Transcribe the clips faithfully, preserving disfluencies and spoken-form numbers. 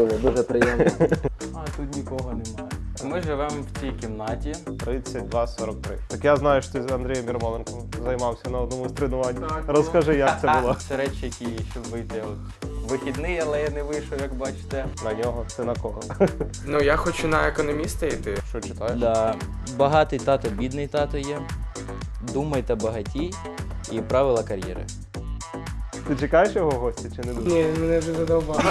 Дуже, дуже приємно. А тут нікого немає. Ми живемо в цій кімнаті. тридцять два сорок три. Так я знаю, що ти з Андрієм Ярмоленком займався на одному з тренувань. Розкажи, як це було. Це речі, які, щоб вийти от вихідний, але я не вийшов, як бачите. На нього, це на кого? Ну, я хочу на економіста йти. Що читаєш? Да. Багатий тато, бідний тато є. Думайте багатій і правила кар'єри. Ти чекаєш його в гості чи не дуже? Ні, мене вже задовбало.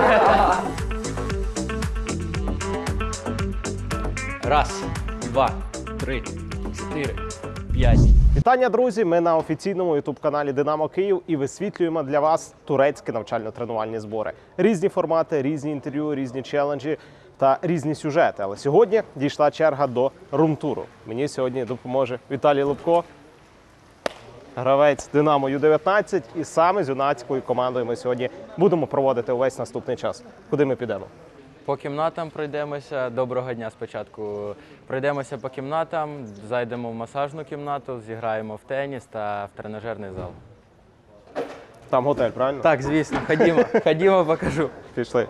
Раз, два, три, чотири, п'ять. Вітання, друзі! Ми на офіційному ютуб-каналі Динамо Київ і висвітлюємо для вас турецькі навчально-тренувальні збори. Різні формати, різні інтерв'ю, різні челенджі та різні сюжети. Але сьогодні дійшла черга до румтуру. Мені сьогодні допоможе Віталій Лубко, гравець Динамо ю дев'ятнадцять. І саме з юнацькою командою ми сьогодні будемо проводити увесь наступний час. Куди ми підемо? По кімнатам пройдемося. Доброго дня спочатку. Пройдемося по кімнатам, зайдемо в масажну кімнату, зіграємо в теніс та в тренажерний зал. Там готель, правильно? Так, звісно, ходімо, ходімо, покажу. Пішли.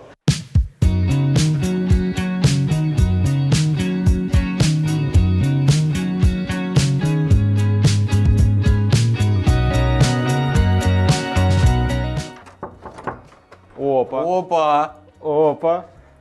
Опа. Опа! Опа.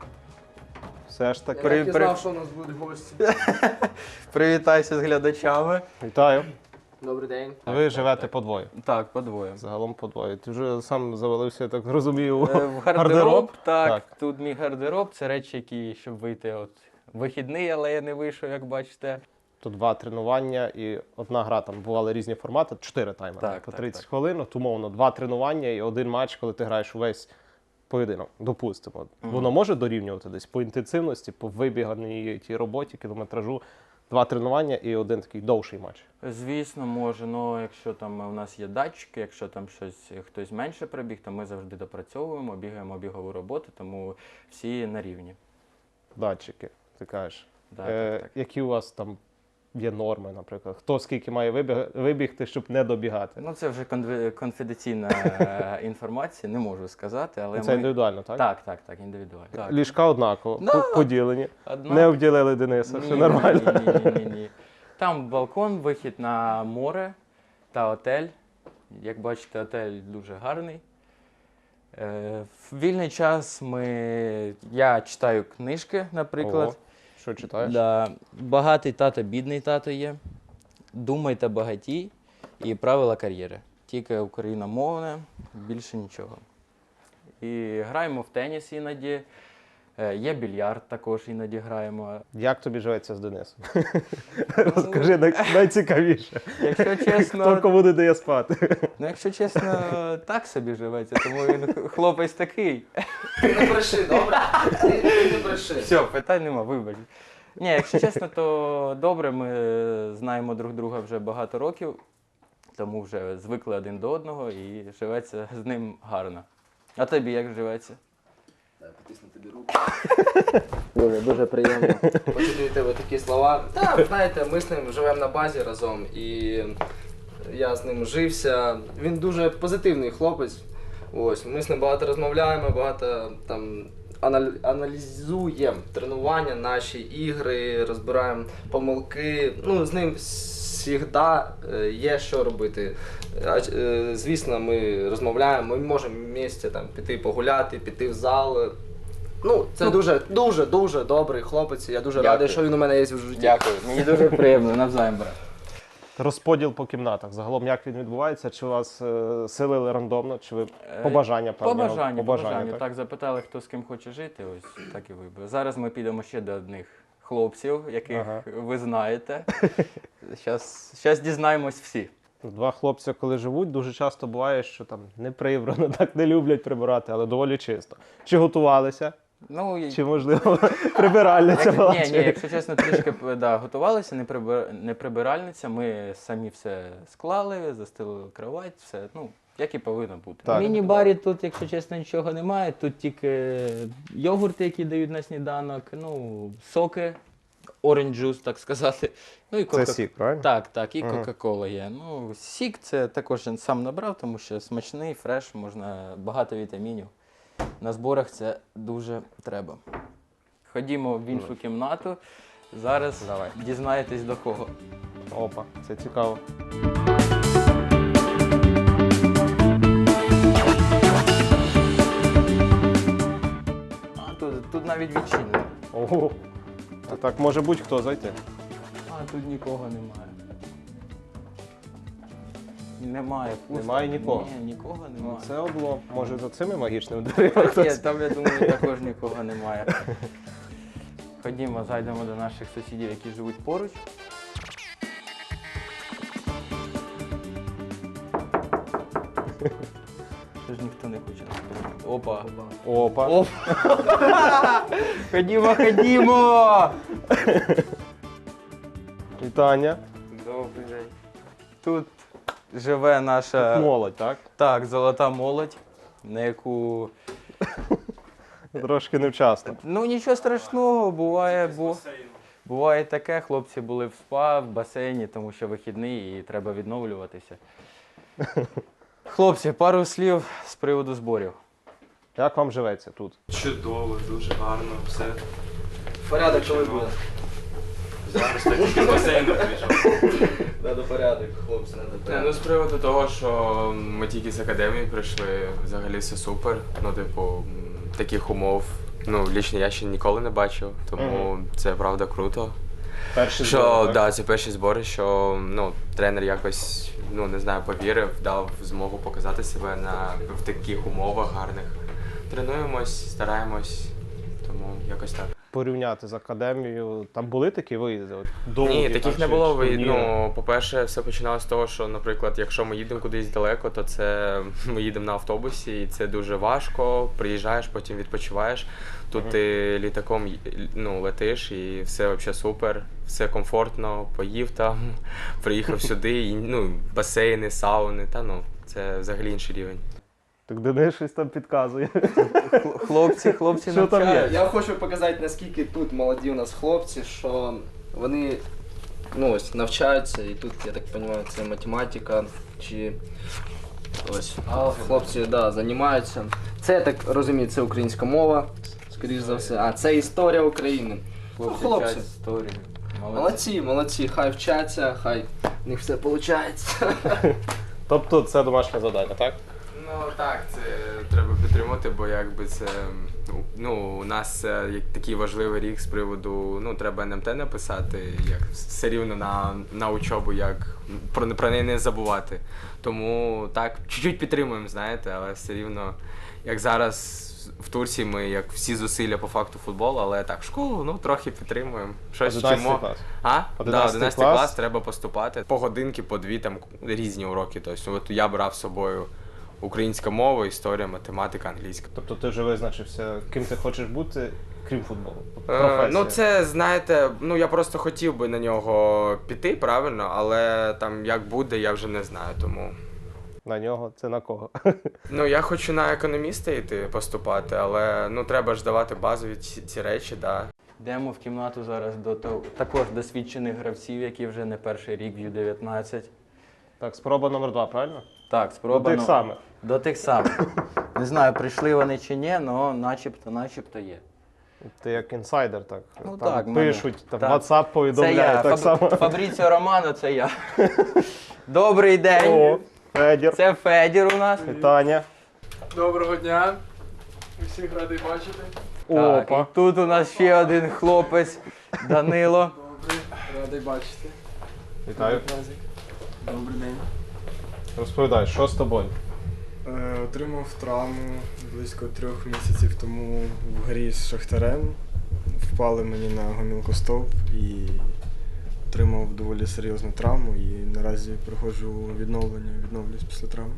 Все ж таки. При- Я при- знав, що у нас будуть гості. Привітайся з глядачами. Вітаю. Добрий день. Ви живете подвоє. Так, подвоє. Загалом подвоє. Ти вже сам завалився, я так розумію, Е, В гардероб, так, Так. Тут мій гардероб. Це речі, які, щоб вийти от вихідний, але я не вийшов, як бачите. Тут два тренування і одна гра. Там бували різні формати, чотири тайми Так, по так, тридцять так. хвилин. От, умовно, два тренування і один матч, коли ти граєш увесь поєдинок. Допустимо. Воно може дорівнювати десь по інтенсивності, по вибіганій тій роботі, кілометражу. Два тренування і один такий довший матч. Звісно, може, але якщо там у нас є датчики, якщо там щось хтось менше прибіг, то ми завжди допрацьовуємо, бігаємо бігову роботу, тому всі на рівні. Датчики, ти кажеш. Да, е, так, так. Які у вас там є норми, наприклад? Хто скільки має вибіг, вибігти, щоб не добігати? Ну це вже конфі- конфіденційна е, інформація, не можу сказати, але Це ми... індивідуально, так? Так, так, так, індивідуально. Так. Ліжка однаково, Да. по- поділені. Одна- Не обділили Дениса, все Ні, нормально. Ні, ні, ні, ні, ні. Там балкон, вихід на море та отель. Як бачите, отель дуже гарний. Е, в вільний час ми... я читаю книжки, наприклад. Ого. Що читаєш? Да. Багатий тато, бідний тато є. Думайте багатій і правила кар'єри. Тільки україномовне, більше нічого. І граємо в теніс іноді. Е, Є більярд також іноді граємо. Як тобі живеться з Денисом? Розкажи най- найцікавіше. Якщо Хто чесно, кому не дає спати? ну якщо чесно, так собі живеться, тому він хлопець такий. Ти не бреши, добре? Ти, ти не бреши. Все, питань нема, вибач. Ні, якщо чесно, то добре, ми знаємо друг друга вже багато років, тому вже звикли один до одного і живеться з ним гарно. А тобі як живеться? Потисну тобі руку. Дуже, дуже приємно. Почути від тебе такі слова. Так, знаєте, ми з ним живемо на базі разом і я з ним жився. Він дуже позитивний хлопець. Ось, ми з ним багато розмовляємо, багато там анал- аналізуємо тренування, наші ігри, розбираємо помилки. Ну, з ним завжди є що робити. А, е, Звісно, ми розмовляємо, ми можемо в місті там піти погуляти, піти в зал. Ну, це дуже, дуже, дуже добрий хлопець. Я дуже Дякую. радий, що він у мене є в житті. Дякую, мені дуже приємно, навзаєм, брат. Розподіл по кімнатах. Загалом як він відбувається? Чи вас е, селили рандомно, чи ви по бажання По певного? бажанню, по бажанню. так? Так, запитали, хто з ким хоче жити, ось так і вибрали. Зараз ми підемо ще до одних хлопців, яких Ага. ви знаєте. Зараз дізнаємось всі. Два хлопці, коли живуть, дуже часто буває, що там не прибрано, так не люблять прибирати, але доволі чисто. Чи готувалися? Ну, і- Чи, можливо, прибиральниця Як- була? Ні, чи- ні, якщо чесно, трішки да, готувалися, не, прибир... не прибиральниця, ми самі все склали, застелили кровать, все, ну, як і повинно бути. Так. В міні-барі тут, якщо чесно, нічого немає, тут тільки йогурти, які дають на сніданок, ну, соки, orange juice, так сказати. Ну, і Це кока... сік, правильно? Так, так, і Ага. Кока-Кола є. Ну, сік це також я сам набрав, тому що смачний, фреш, можна багато вітамінів. на зборах це дуже треба. Ходімо в іншу кімнату. Зараз Давай. дізнаєтесь до кого. Опа, це цікаво. А, тут, тут навіть відчинено. Ого. А так може будь-хто зайти. А тут нікого немає. Немає, пусто. Немає нікого? Ні, нікого Ну, немає. це облом. Може за цими магічними дверима Ні, хтось? там, я думаю, також нікого немає. Ходімо, зайдемо до наших сусідів, які живуть поруч. Що ж ніхто не хоче нас прийняти? Опа. Опа. Опа. Ходімо, ходімо! Вітання. Добрий день. Тут живе наша Молодь, так? так, золота молодь, на яку Трошки невчасно. ну нічого страшного, буває, бо буває таке. Хлопці були в спа, в басейні, тому що вихідний і треба відновлюватися. Хлопці, пару слів з приводу зборів. Як вам живеться тут? Чудово, дуже гарно, все. Порядок коли буде? Зараз так тільки з басейну прийшов. Надо порядок, хлопці, надо Не, порядок. ну з приводу того, що ми тільки з академії прийшли, взагалі все супер. Ну, типу, м, таких умов, ну, лічно я ще ніколи не бачив, тому це правда круто. Перші Що, збори, так, да, це перші збори, що ну, тренер якось, ну не знаю, повірив, дав змогу показати себе на, в таких умовах гарних. Тренуємось, стараємось, тому якось так. Порівняти з академією, там були такі виїзди? От, довгі, Ні, так, таких не чи- було. чи Ви- ні? Ну, по-перше, все починалося з того, що, наприклад, якщо ми їдемо кудись далеко, то це ми їдемо на автобусі, і це дуже важко. Приїжджаєш, потім відпочиваєш. Тут ти літаком й- ну, летиш, і все взагалі супер, все комфортно, поїв там, приїхав сюди, і ну, басейни, сауни, та ну, це взагалі інший рівень. Так Денис щось там підказує. Хлопці, хлопці Що там навчають. є? Я хочу показати, наскільки тут молоді у нас хлопці, що вони ну, ось, навчаються, і тут, я так розумію, це математика, чи ось хлопці да, займаються. Це, я так розумію, це українська мова, скоріш за все. А, це історія України. Хлопці, Ну, хлопці. вчать історію. Молодці. Молодці, молодці, хай вчаться, хай в них все виходить. Тобто це домашнє завдання, так? Ну так, це треба підтримати, бо якби це ну у нас е, як такий важливий рік з приводу, ну треба ен ем те написати, як все рівно на, на учобу, як про, про неї не забувати. Тому так, чуть-чуть підтримуємо, знаєте, але все рівно, як зараз в Турції ми як всі зусилля по факту футболу, але так, школу, ну трохи підтримуємо. Щось одинадцятий вчимо. клас. А? Да, одинадцятий одинадцятий клас. клас треба поступати. По годинки, по дві там різні уроки. Тобто, от я брав з собою українська мова, історія, математика, англійська. Тобто ти вже визначився, ким ти хочеш бути, крім футболу? Е, Професія. ну це, знаєте, ну я просто хотів би на нього піти, правильно, але там як буде, я вже не знаю, тому. На нього, це на кого? Ну я хочу на економіста йти поступати, але ну треба ж давати базові ці, ці речі, да. Йдемо в кімнату зараз до того- також досвідчених гравців, які вже не перший рік в ю дев'ятнадцять. Так, спроба номер два, правильно? Так, До спробуємо. тих самих. До тих самих. Не знаю, прийшли вони чи ні, але начебто, начебто є. Ти як інсайдер, так. Ну там так, мене- пишуть, там так. WhatsApp Це повідомляє, я, так Фаб... само. Фабріціо Романо, це я. Добрий день. О, Федір, Це Федір у нас. вітання. Доброго дня. Всіх радий бачити. Так, Опа. і тут у нас ще один хлопець, Данило. Добрий, радий бачити. Вітаю. Добрий день. Розповідай, що з тобою? Е, отримав травму близько трьох місяців тому в грі з Шахтарем. Впали мені на гомілкостовп і отримав доволі серйозну травму і наразі проходжу відновлення, відновлююсь після травми.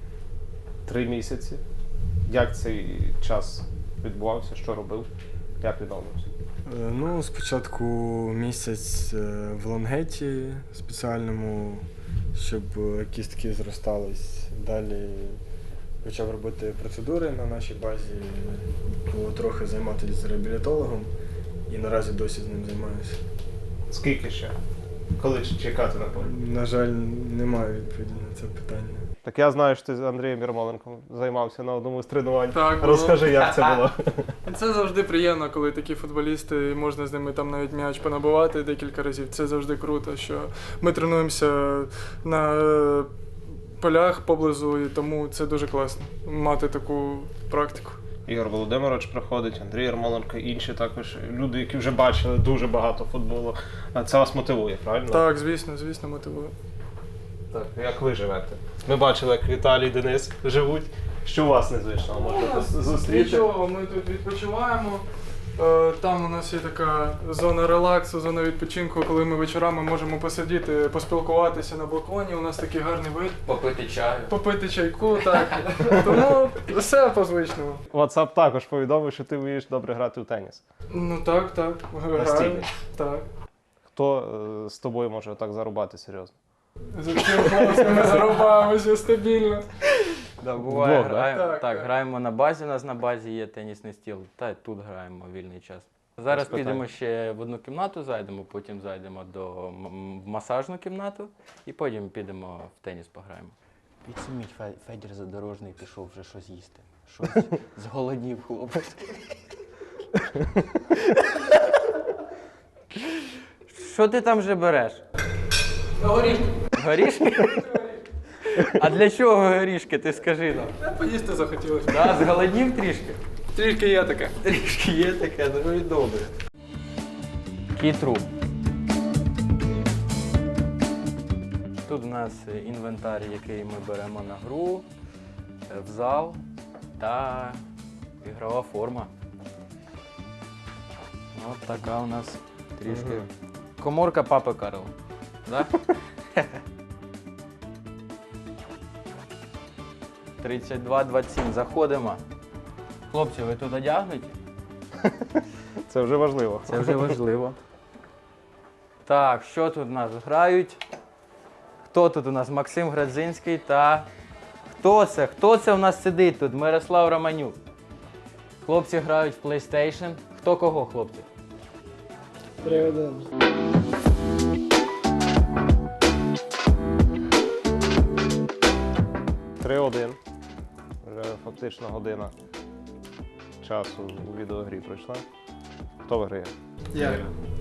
Три місяці. Як цей час відбувався? Що робив? Як відновився? Е, ну, спочатку місяць е, в лонгеті спеціальному, щоб е, кістки зростались. Далі почав робити процедури на нашій базі, було трохи займатися з реабілітологом і наразі досі з ним займаюся. Скільки ще? Коли ч- чекати на полі? На жаль, немає відповіді на це питання. Так я знаю, що ти з Андрієм Ярмоленком займався на одному з тренувань. Так, було. Розкажи, як це було. Це завжди приємно, коли такі футболісти, можна з ними там навіть м'яч понабивати декілька разів. Це завжди круто, що ми тренуємося на е, полях поблизу, і тому це дуже класно мати таку практику. Ігор Володимирович приходить, Андрій Ярмоленко, інші також люди, які вже бачили дуже багато футболу. А це вас мотивує, правильно? Так, звісно, звісно, мотивує. Так, як ви живете? Ми бачили, як Віталій і Денис живуть. Що у вас незвичного можете зустріти? Нічого, ми тут відпочиваємо. Е, Там у нас є така зона релаксу, зона відпочинку, коли ми вечорами можемо посидіти, поспілкуватися на балконі. У нас такий гарний вид. Попити чаю. Попити чайку, так. Тому все по-звичному. WhatsApp також повідомив, що ти вмієш добре грати в теніс. Ну так, так. Граю. Настільний? Так. Хто е, з тобою може так зарубати серйозно? За цим голосом ми зарубаємося стабільно. Да, буває, Вдвох, да? граємо, Так, так, так. граємо на базі, у нас на базі є тенісний стіл, та й тут граємо в вільний час. Зараз Без питань. підемо ще в одну кімнату, зайдемо, потім зайдемо до м- в масажну кімнату і потім підемо в теніс пограємо. Підсуміть, Федір Задорожний пішов вже щось їсти. Щось зголоднів хлопець. Що ти там вже береш? Горішки. Горішки? А для чого горішки, ти скажи нам? Поїсти захотілося. Да, зголоднів трішки? Трішки є таке. Трішки є таке, ну і добре. Кітру. Тут у нас інвентар, який ми беремо на гру, в зал та ігрова форма. От така у нас трішки. Коморка папи Карла. Да? тридцять два двадцять сім. Заходимо. Хлопці, ви тут одягнуті? Це вже важливо. Це вже важливо. Так, що тут у нас грають? Хто тут у нас? Максим Градзинський та... Хто це? Хто це у нас сидить тут? Мирослав Романюк. Хлопці грають в PlayStation. Хто кого, хлопці? три один. Вже фактично година часу у відеогрі пройшла. Хто виграє? Я.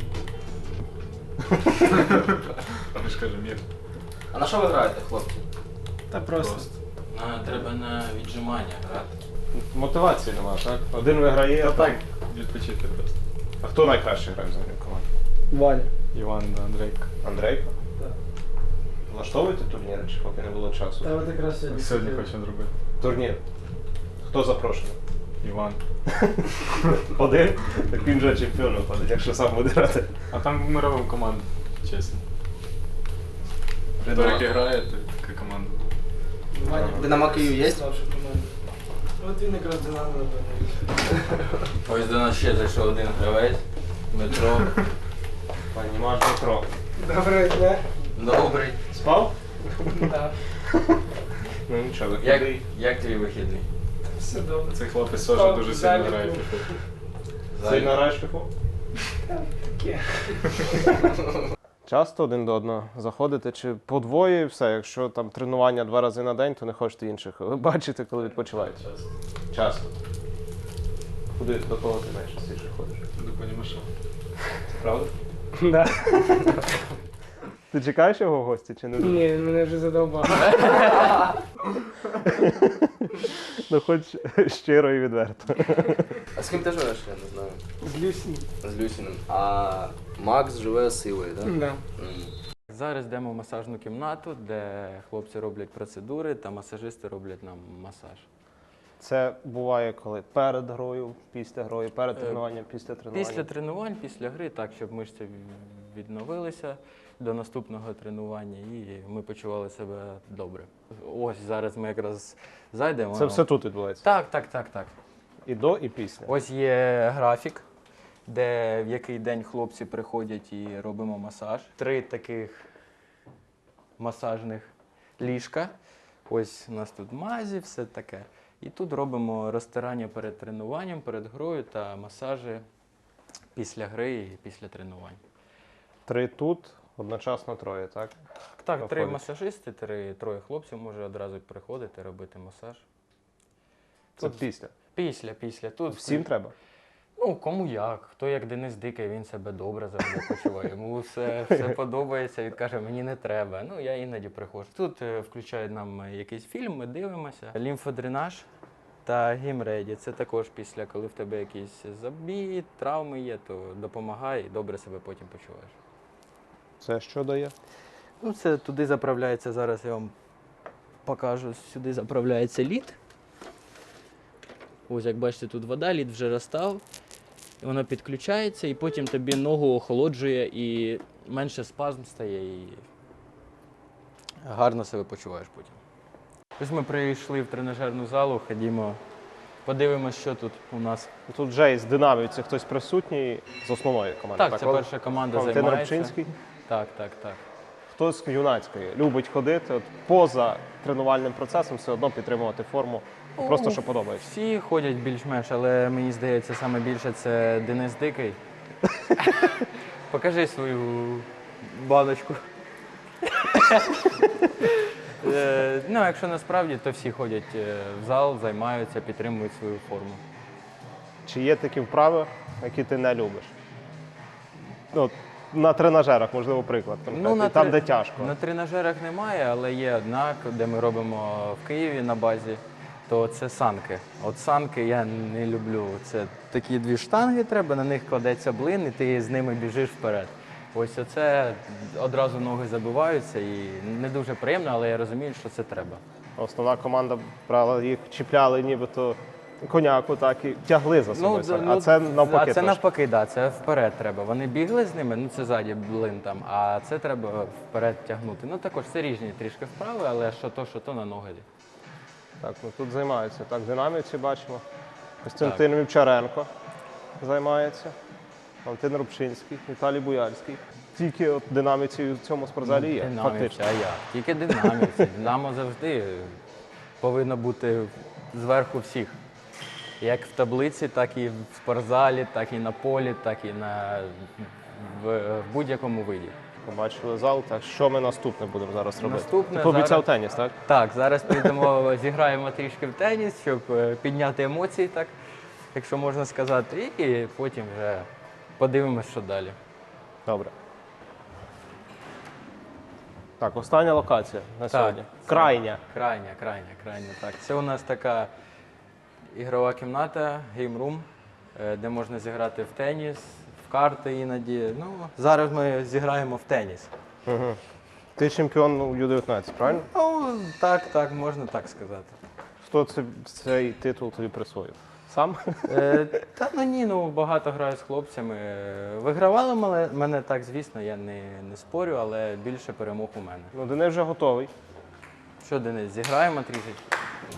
А на що ви граєте, хлопці? Та просто. А, треба на віджимання грати. Мотивації нема, так? Один виграє, а так. Відпочити просто. А хто найкраще грає взагалі в команді? Валя. Іван да, Андрейко. Андрейко? Так. Влаштовуєте турніри, чи поки не було часу? Та от якраз сьогодні. Сьогодні хочемо зробити. Турнір. Хто запрошений? Іван. Один? Так він же чемпіон виходить, якщо сам буде грати. А там ми робимо команду, чесно. Хто який грає, то така команда. Динамо Київ є? От він якраз Динамо, напевно. Ось до нас ще зайшов один гравець. Дмитро. Пані Маш Дмитро. Доброго дня. Добрий. Спав? Так. Ну нічого, Як, виходить. як твій вихідний? Все добре. Цей хлопець Спав, теж дуже сильно далі грає в був. фіфу. Сильно граєш в фіфу? Таке. Часто один до одного заходите, чи по двоє і все? Якщо там тренування два рази на день, то не хочете інших. Ви бачите, коли відпочиваєте? Часто. Куди до кого ти найчастіше ходиш? До пані Маша. Правда? Да. Ти чекаєш його в гості чи не? Ні, він мене вже задовбав. Ну хоч щиро і відверто. А з ким ти живеш, я не знаю. З Люсі. З Люсіним. А Макс живе з Ілою, так? Да. М. Зараз йдемо в масажну кімнату, де хлопці роблять процедури та масажисти роблять нам масаж. Це буває коли? Перед грою, після грою, перед Е, тренуванням, після тренування? Після тренувань, після гри, так, щоб мишці відновилися до наступного тренування і ми почували себе добре. Ось зараз ми якраз зайдемо. Це все тут відбувається? Так, так, так, так. І до, і після? Ось є графік, де в який день хлопці приходять і робимо масаж. Три таких масажних ліжка. Ось у нас тут мазі, все таке. І тут робимо розтирання перед тренуванням, перед грою та масажі після гри і після тренувань. Три тут, Одночасно троє, так? Так, три Виходить. масажисти, три, троє хлопців може одразу приходити, робити масаж. Це Тут- після. Після, після. Тут Всім треба? Ну, кому як. Хто як Денис Дикий, він себе добре завжди почуває. Йому все, все подобається, він каже, мені не треба. Ну, я іноді приходжу. Тут е, включають нам е, якийсь фільм, ми дивимося. Лімфодренаж та гімреді. Це також після, коли в тебе якісь забій, травми є, то допомагає і добре себе потім почуваєш. Це що дає? Ну, це туди заправляється, зараз я вам покажу, сюди заправляється лід. Ось, як бачите, тут вода, лід вже розстав. І воно підключається, і потім тобі ногу охолоджує, і менше спазм стає, і гарно себе почуваєш потім. Ось ми прийшли в тренажерну залу, ходімо, подивимось, що тут у нас. Тут вже із динамівців хтось присутній з основної команди. Так, це Ол- перша команда Валентин займається. Рибчинський. Так, так, так. Хтось з юнацької любить ходити, от поза тренувальним процесом все одно підтримувати форму, просто що подобається. Всі ходять більш-менш, але мені здається, саме більше це Денис Дикий. Покажи свою баночку. Е, Ну, якщо насправді, то всі ходять е, в зал, займаються, підтримують свою форму. Чи є такі вправи, які ти не любиш? Ну, от на тренажерах, можливо, приклад. конкретний, на там, тре- де тяжко. На тренажерах немає, але є одна, де ми робимо в Києві на базі, то це санки. От санки я не люблю. Це такі дві штанги треба, на них кладеться блин, і ти з ними біжиш вперед. Ось оце одразу ноги забиваються і не дуже приємно, але я розумію, що це треба. Основна команда брала їх, чіпляли нібито коняку, так і тягли за собою. д- а це навпаки. А це трошки. навпаки, да, це вперед треба. Вони бігли з ними, ну це ззаді блин там, а це треба вперед тягнути. Ну також це різні трішки вправи, але що то, що то на ноги. Так, ну тут займаються. Так, динамівці бачимо. Костянтин Вівчаренко займається. Валентин Рубчинський, Віталій Буяльський. Тільки от динамівці в цьому спортзалі є, Динамівці, фактично. а як? Тільки динамівці. Динамо завжди повинно бути зверху всіх. Як в таблиці, так і в спортзалі, так і на полі, так і на, в, в будь-якому виді. Побачили зал, так що ми наступне будемо зараз робити? Наступне Ти пообіцяв зараз- теніс, так? Так, зараз підемо, зіграємо трішки в теніс, щоб е, підняти емоції, так, якщо можна сказати, і потім вже подивимось, що далі. Добре. Так, остання локація на сьогодні. Крайня. Крайня, крайня, крайня, так. Це у нас така ігрова кімната, геймрум, е, де можна зіграти в теніс, в карти іноді. Ну, зараз ми зіграємо в теніс. Угу. Ти чемпіон у Ю дев'ятнадцять, правильно? Ну, так, так, можна так сказати. Хто це, цей титул тобі присвоїв? Сам? Е, та ну ні, ну багато граю з хлопцями. Е, Вигравали мене, мене так, звісно, я не, не спорю, але більше перемог у мене. Ну, Денис вже готовий. Що, Денис, зіграємо трішечки?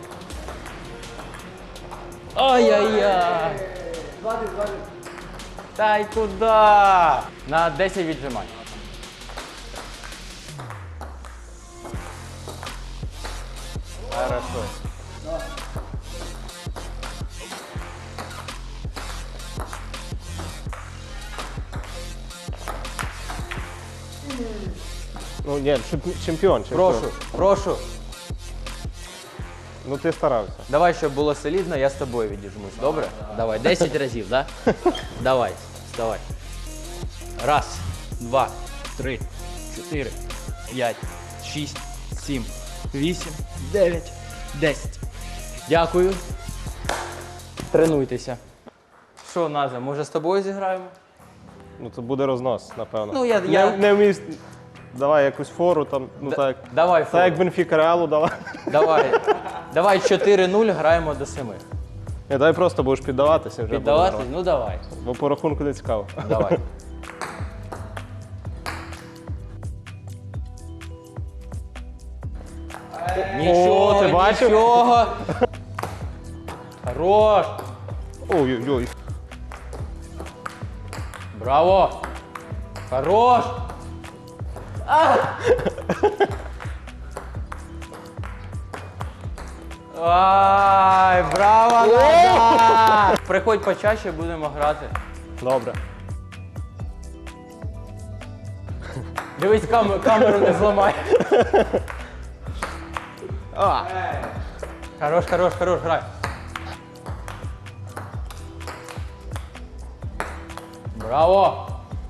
Ай-яй-яй! Та й куди? На десять віджимань. Хорошо. Ну, ні, чемпі- чемпіон, чемпіон. Прошу, прошу. Ну, ти старався. Давай, щоб було солідно, я з тобою відіжмусь, добре? Давай, десять разів, да? Давай, вставай. Раз, два, три, чотири, п'ять, шість, сім, вісім, дев'ять, десять. Дякую. Тренуйтеся. Що, Наза, може з тобою зіграємо? Ну, це буде рознос, напевно. Ну, я- Не, я- не вміст... Давай якусь фору там, ну Д- так. Давай, Так як фору. Бенфіка Реалу дала. Давай. Давай чотири нуль, граємо до семи. Ні, давай просто будеш піддаватися вже. буде Піддавати? нормально. Ну давай. Бо по рахунку не цікаво. Давай. Нічого, ти бачив? нічого. Хорош. Ой-ой-ой. Браво. Хорош. А! Ай, браво, Назар! Приходь почаще, будемо грати. Добре. Дивись, камеру, камеру не зламай. А, Хорош, хорош, хорош, грай. Браво!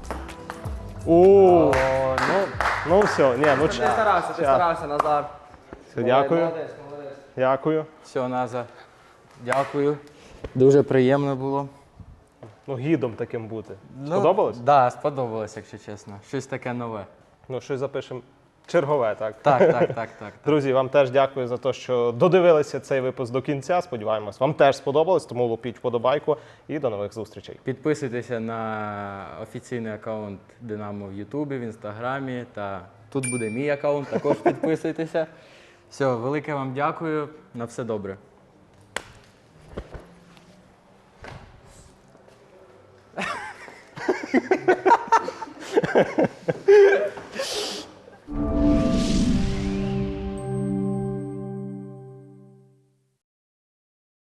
у, О, ну, ну все, ні, ну Ти ч- старався, ти Ща. старався, Назар. Все, дякую, Молодець, молодець. дякую. все, Наза. Дякую. Дуже приємно було. Ну, гідом таким бути. Сподобалось? Так, да, сподобалось, якщо чесно. Щось таке нове. Ну, щось запишемо чергове, так? Так, так, так, так. так. Друзі, вам теж дякую за те, що додивилися цей випуск до кінця. Сподіваємось, вам теж сподобалось, тому лупіть вподобайку і до нових зустрічей. Підписуйтеся на офіційний аккаунт Динамо в Ютубі, в Інстаграмі. Та тут буде мій аккаунт, також підписуйтеся. Все, велике вам дякую. На все добре.